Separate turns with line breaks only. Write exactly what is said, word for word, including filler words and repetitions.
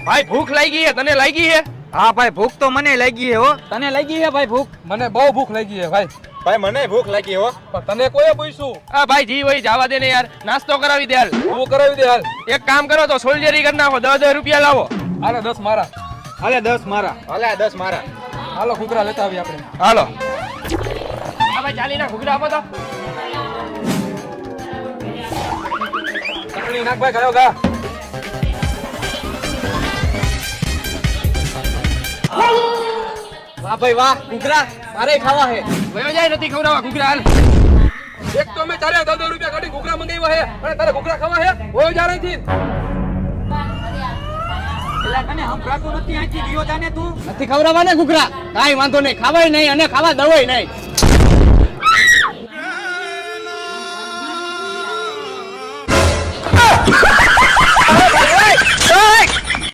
ભાઈ ભૂખ લાગી હે, તને લાગી હે?
હા ભાઈ ભૂખ તો મને લાગી હે હો.
તને લાગી હે ભાઈ ભૂખ?
મને બહુ ભૂખ લાગી છે ભાઈ.
ભાઈ મને ભૂખ લાગી હો.
પણ તને કોઈ પૂછ્યું?
આ ભાઈ જી વઈ જવા દે ને યાર, નાસ્તો કરાવી દે હાલ.
તું કરાવી દે હાલ.
એક કામ કરો તો સોલ્જરી કરી નાખો, દસ દસ રૂપિયા લાવો.
હાલે દસ મારા.
હાલે દસ મારા.
હાલે દસ મારા.
હાલો ઘૂઘરા લેતા આવી આપણે.
હાલો. આ ભાઈ ચાલી ના ઘૂઘરા આપો તો.
ચટણી નાખ ભાઈ, કયો ગા.
વાહ ભાઈ વાહ, ઘૂઘરા મારે ખાવા હે.
વયો જાય નથી ખવડાવવા ઘૂઘરા હાલ.
એક તો મેં ચારે દસ દસ રૂપિયા કાઢી ઘૂઘરા મંગાવ્યા હે અને તારે ઘૂઘરા ખાવા હે? હોય જા રહીથી.
એલા તને સંભળાતું નથી? અહીંથી ગયો જાને તું.
નથી ખવડાવવા ને ઘૂઘરા? કાઈ વાંધો નહીં, ખાવાય નહીં અને ખાવા દવાય નહીં.